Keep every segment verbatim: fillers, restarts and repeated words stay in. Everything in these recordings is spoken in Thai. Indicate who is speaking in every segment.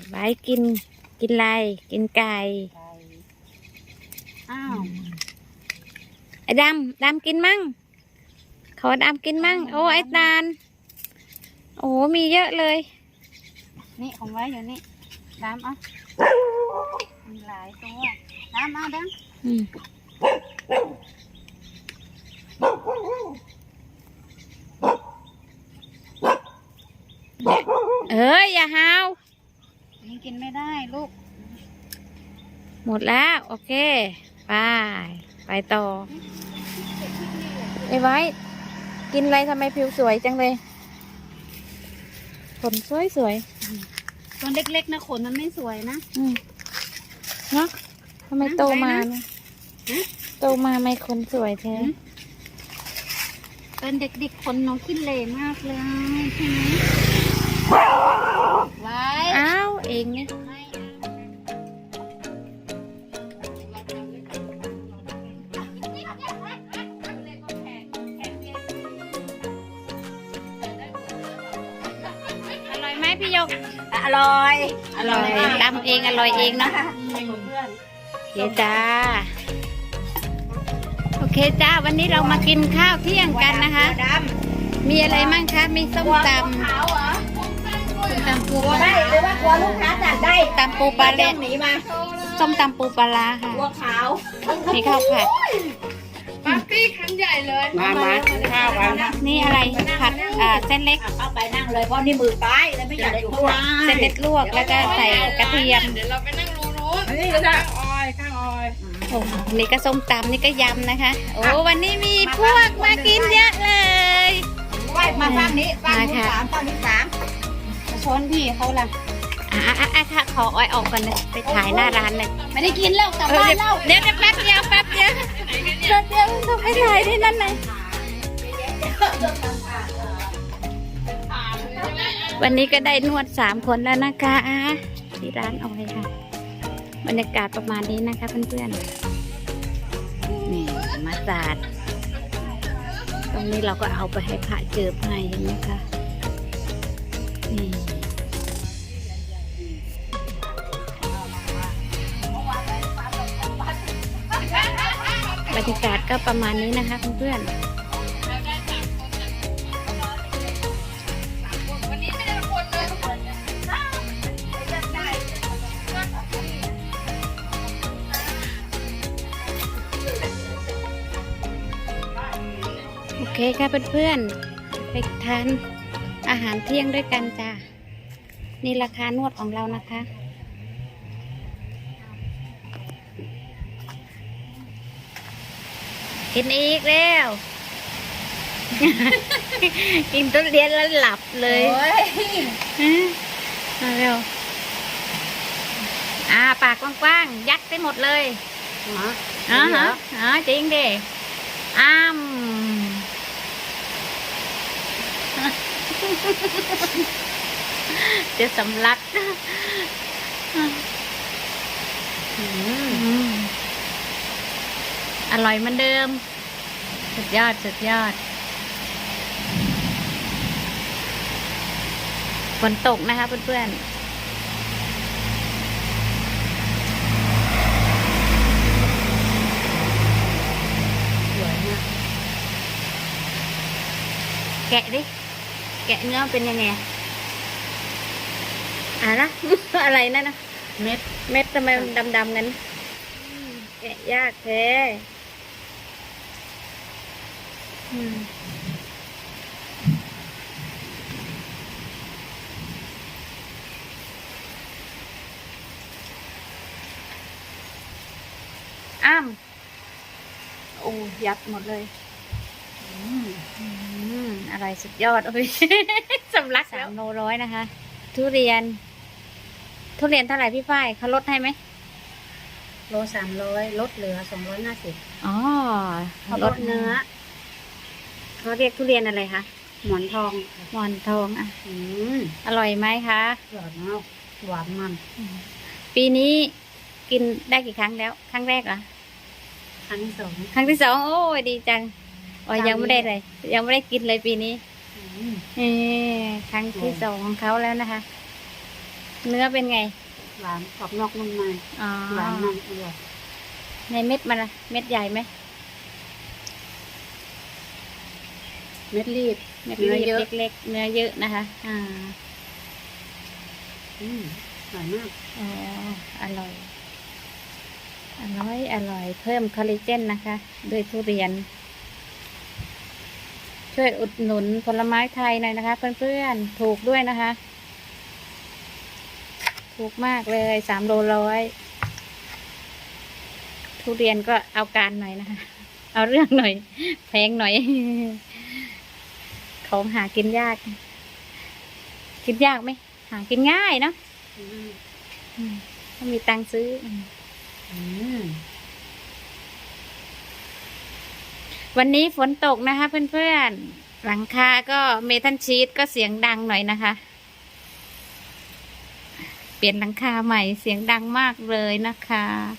Speaker 1: ไว้กินกินอะไรกินไก่
Speaker 2: อ้าว
Speaker 1: ไอ้ดำดำกินมั่งขอดำกินมั่งโอ้ไอ้ตาลโอ้มีเยอะเลย
Speaker 2: นี่ของไว้อยู่นี่ดำเอามีหลายตัวดำเอาดำ
Speaker 1: อืมเอ้ยอย่าหาว
Speaker 2: นี่กินไม่ได้ลูก
Speaker 1: หมดแล้วโอเคไปไปต่อไอ้ไว้กินอะไรทำไมผิวสวยจังเลยขนสวยสวย
Speaker 2: ตัวเล็กๆนะขนมันไม่สวยนะ
Speaker 1: อืมเนาะทำไมโตมาโตมาไม่ขนสวยแท้
Speaker 2: เป็นเด็กๆขนน้องขี้เหร่มากเลยใช่ไหมไว้
Speaker 1: อ้าวเองเนี่ยอร่อยไหมพี่ยก
Speaker 2: อร่อย
Speaker 1: อร่อยตำเองอร่อยเองเนาะโอเคจ้าโอเคจ้าวันนี้เรามากินข้าวเที่ยงกันนะคะมีอะไรมั่งคะมีส้มตำส้มตำปูปลา
Speaker 2: ได้หรือว่ากลัวลูกค้าจัดได้
Speaker 1: ตำปูปลาเละ
Speaker 2: หนีมา
Speaker 1: ส้มตำปูปลาค่ะ
Speaker 2: กลัวขาว
Speaker 1: มีข้าวผัด
Speaker 3: ปาร์ตี้ครั้งใหญ่เลย
Speaker 2: มามาข้าวกัน
Speaker 1: นี่อะไรผัดอ่าเส้นเล็ก
Speaker 2: เข้าไปนั่งเลยเพราะนี่มือป้ายเลยไม่อยากอยู่ข้างล่าง
Speaker 1: เส้นเล็กลวกแล้วก็ใส่กระเทียม
Speaker 3: เดี๋ยวเราไปนั่งรูนู้นนี่ข้างออยข้างออย
Speaker 1: โอ้นี่ก็ส้มตำนี่ก็ยำนะคะโอ้วันนี้มีพวกมากินเยอะเลย
Speaker 2: มาฝั่งนี้ฝั่งนี้สามฝั่งนี้สามชนพี่เขาล่ะ
Speaker 1: อ่ะอ่ะอ่ะค่ะขอออยออกก่อนเลยไปถ่ายหน้าร้านเลย
Speaker 2: ไม่ได้กินแล้วกลับบ้านแล้ว
Speaker 1: เดี๋ยวแป๊บเดียวแป๊บเดียวแป๊บเดียวต้องไปถ่ายที่นั่นเลยวันนี้ก็ได้นวดสามคนแล้วนะคะที่ร้านออยค่ะบรรยากาศประมาณนี้นะคะเพื่อนๆนี่มาสาดตรงนี้เราก็เอาไปให้พระเจิบให้เห็นไหมคะนี่บรรยากาศก็ประมาณนี้นะคะเพื่อนๆโอเคค่ะเพื่อนๆไปทานอาหารเที่ยงด้วยกันจ้านี่ราคานวดของเรานะคะกินอีกแล้วกินทุเรียนแล้วหลับเลยมาเร็วอ่าปากกว้างๆยัดไปหมดเลยอ๋อฮะอ๋อจริงดิอ้ามจะสำลักอร่อยเหมือนเดิมสุดยอดสุดยอดฝนตกนะคะเพื่อนๆสวยมากแกะดิแกะเนื้อเป็นยังไงอ่ะนะ อะไรนั่นนะเม็ดเม็ดทำไมมันดำๆงั้นแกะยากแท้อ้ามโอ้ยัดหมดเลยอะไรสุดยอดโอ้ยสำลักสามโลร้อยนะคะทุเรียนทุเรียนเท่าไหร่พี่ฝ้ายเขาลดให้ไหม
Speaker 2: โลสามร้อยลดเหลือสองร้อยห้าสิบ
Speaker 1: อ๋อ
Speaker 2: ลดเนื้อ
Speaker 1: เขาเรียกทุเรียนอะไรคะ
Speaker 2: หมอนทอง
Speaker 1: หมอนทองอ่ะ
Speaker 2: อืม
Speaker 1: อร่อยไหมคะ
Speaker 2: อร่อยมากหวานมัน
Speaker 1: ปีนี้กินได้กี่ครั้งแล้วครั้งแรกเหรอ
Speaker 2: ครั้งที่สอง
Speaker 1: ครั้งที่สองโอ้ยดีจังอ๋อยังไม่ได้เลยยังไม่ได้กินเลยปีนี้เออครั้งที่สองของเขาแล้วนะคะเนื้อเป็นไง
Speaker 2: หวานกรอบนอกนุ่มใน
Speaker 1: อ๋อ
Speaker 2: หวานมันอร่อย
Speaker 1: ในเม็ดมันล่ะเม็ดใหญ่ไหม
Speaker 2: เม็ดรีบ
Speaker 1: เม็ด
Speaker 2: เนื้อเยอะ
Speaker 1: เล็กๆเนื้อเยอะนะคะ อ่า
Speaker 2: อืมอร่อยมาก
Speaker 1: อ๋ออร่อย อร่อย อร่อย เพิ่มคอลลาเจนนะคะด้วยทุเรียน ช่วยอุดหนุนผลไม้ไทยหน่อยนะคะ เพื่อนๆ ถูกด้วยนะคะ ถูกมากเลยสามโลร้อยทุเรียนก็เอาการหน่อยนะคะ เอาเรื่องหน่อย แพงหน่อย ของหากินยาก กินยากไหม หากินง่ายเนาะ
Speaker 2: อืม
Speaker 1: อืมถ้ามีตังค์ซื้ออืม
Speaker 2: อืม
Speaker 1: วันนี้ฝนตกนะคะเพื่อนๆ หลังคาก็เมทัลชีตก็เสียงดังหน่อยนะคะ เปลี่ยนหลังคาใหม่เสียงดังมากเลยนะคะ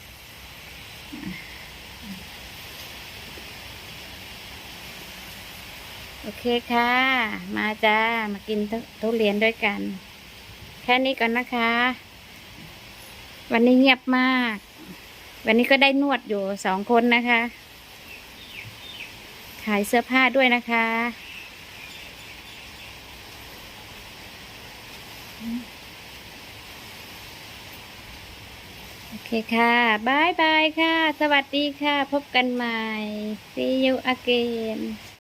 Speaker 1: โอเคค่ะ มาจ้า มากินทุทุเรียนด้วยกัน แค่นี้ก่อนนะคะ วันนี้เงียบมาก วันนี้ก็ได้นวดอยู่สองคนนะคะ ขายเสื้อผ้าด้วยนะคะ โอเคค่ะบายบายค่ะ สวัสดีค่ะ พบกันใหม่ see you again